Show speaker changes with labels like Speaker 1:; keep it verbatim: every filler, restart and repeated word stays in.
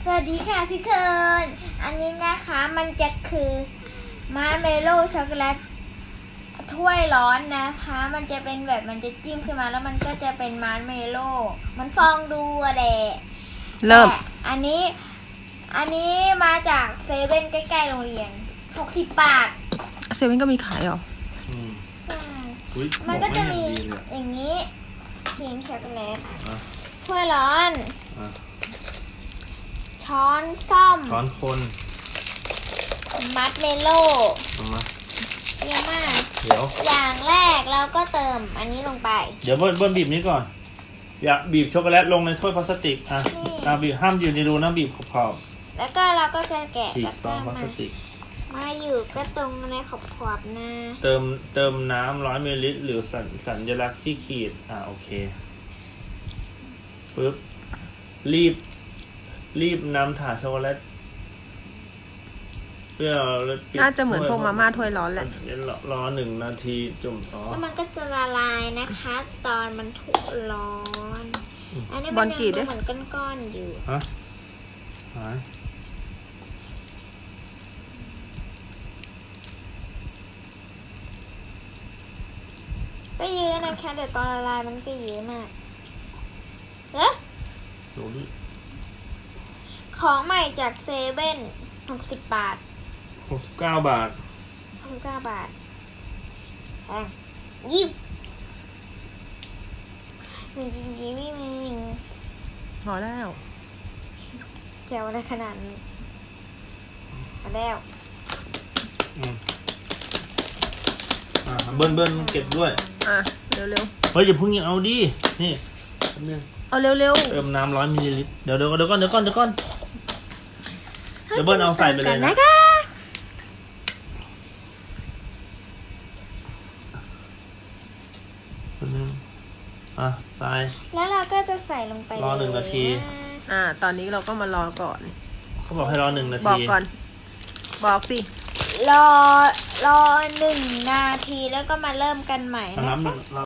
Speaker 1: สวัสดีค่ะทุกคนอันนี้นะคะมันจะคือมาร์เมโล่ช็อกโกแลตถ้วยร้อนนะคะมันจะเป็นแบบมันจะจิ้มขึ้นมาแล้วมันก็จะเป็นมาร์เมโล่มันฟองดูอะไร
Speaker 2: เริ่ม
Speaker 1: อันนี้อันนี้มาจากเซเว่นใกล้ๆโรงเรียนหกสิบบาท
Speaker 2: เซเว่นก็มีขายเหรอ
Speaker 3: อืม
Speaker 1: ใช่
Speaker 3: อุ๊ย
Speaker 1: มันก็จะมี
Speaker 3: บอกไม่เห็นดีเลย
Speaker 1: อย่างนี้ครีมช็อกโกแลต
Speaker 3: อ่ะ
Speaker 1: ถ้วยร้อน
Speaker 3: อ่ะ
Speaker 1: ช้อนส้อม
Speaker 3: ช้อนคน
Speaker 1: มัดเมโล่
Speaker 3: เอามา
Speaker 1: เยอะมาก
Speaker 3: เดี๋ยว
Speaker 1: อย่างแรกเราก็เติมอันนี้ลงไป
Speaker 3: เดี๋ยวเบิ้ลเบิ้ลบีบนี้ก่อน อย่าบีบช็อกโกแลตลงในถ้วยพลาสติก อ่ะ
Speaker 1: นี่
Speaker 3: อ่ะบีบห้ามอยู่ในรูนะบีบขอบ
Speaker 1: แล้วก็เราก็จะแกะ
Speaker 3: ๆฉี
Speaker 1: แล้
Speaker 3: ก
Speaker 1: ว
Speaker 3: ซ
Speaker 1: ก็
Speaker 3: องพลา
Speaker 1: มา
Speaker 3: สติก
Speaker 1: มาอยู่ก็ตรงในขอบขอบๆนะ
Speaker 3: เติมเติมน้ำร้อยมิลลิลิตรหรือสัญสัญลักษณ์ที่ขีด อ่ะโอเคปึ๊บ รีบ รีบนำถาดช็อกโกแลตเพื่อปิด
Speaker 2: น่าจะเหมือนพวกมาม่าถ้วยร้อนแหละ
Speaker 3: รอรอหนึ่งนาทีจุ่มอ๋อ
Speaker 1: แล้วมันก็จะละลายนะคะ ตอนมันถูกร้อน อันนี้
Speaker 2: บ
Speaker 1: มั
Speaker 2: อน ล
Speaker 1: ยัง
Speaker 2: กรีด
Speaker 1: ดู
Speaker 2: ด้วย
Speaker 1: เหมือนก้อนๆอยู่
Speaker 3: ฮะหาย
Speaker 1: ก็เยอะนะคะเดี๋ยวตอนละลายมันก็เยอะมากเอ๊ะ
Speaker 3: ดูดิ
Speaker 1: ของใหม่จากเซเว่นหกสิบบาท
Speaker 3: หกสิบเก้าบาท
Speaker 1: หกสิบเก้าบาทแพงยิบจริงๆยิ้มไม่มึง
Speaker 2: พอแล้ว
Speaker 1: แจวอะไรขนาดนี้มาแล้ว
Speaker 3: อืมอ่าเบิ้ลเบิ้ลเก็บด้วย
Speaker 2: อ่ะเร็ว
Speaker 3: เฮ้ยอย่าเพิ่งเอาดิ นี่แป๊บนึง
Speaker 2: ๆเอาเร็ว
Speaker 3: เติมน้ำร้อยมิลลิลิตร เดี๋ยวเดี๋ยวเดี๋ยวก่อนเดี๋ยวก่อนเดี๋ยวก่อนเดี๋ยวเบิ้ลเอาใส่ไปเลยนะ
Speaker 1: นะคะ
Speaker 3: แป๊บนึงอ่ะตาย
Speaker 1: แล้วเราก็จะใส่ลงไป
Speaker 3: รอหนึ่งนาที
Speaker 1: เลยะ
Speaker 2: ๆอ่า ตอนนี้เราก็มารอก่อน
Speaker 3: เขาบอกให้รอหนึ่งนา
Speaker 2: บอ
Speaker 3: ที
Speaker 2: กก่อน บอกสิ
Speaker 1: รอรอหนึ่งนาทีแล้วก็มาเริ่มกันใหม่
Speaker 3: เอา
Speaker 1: นะ
Speaker 3: น้ำห
Speaker 1: คะ
Speaker 3: นึ่ง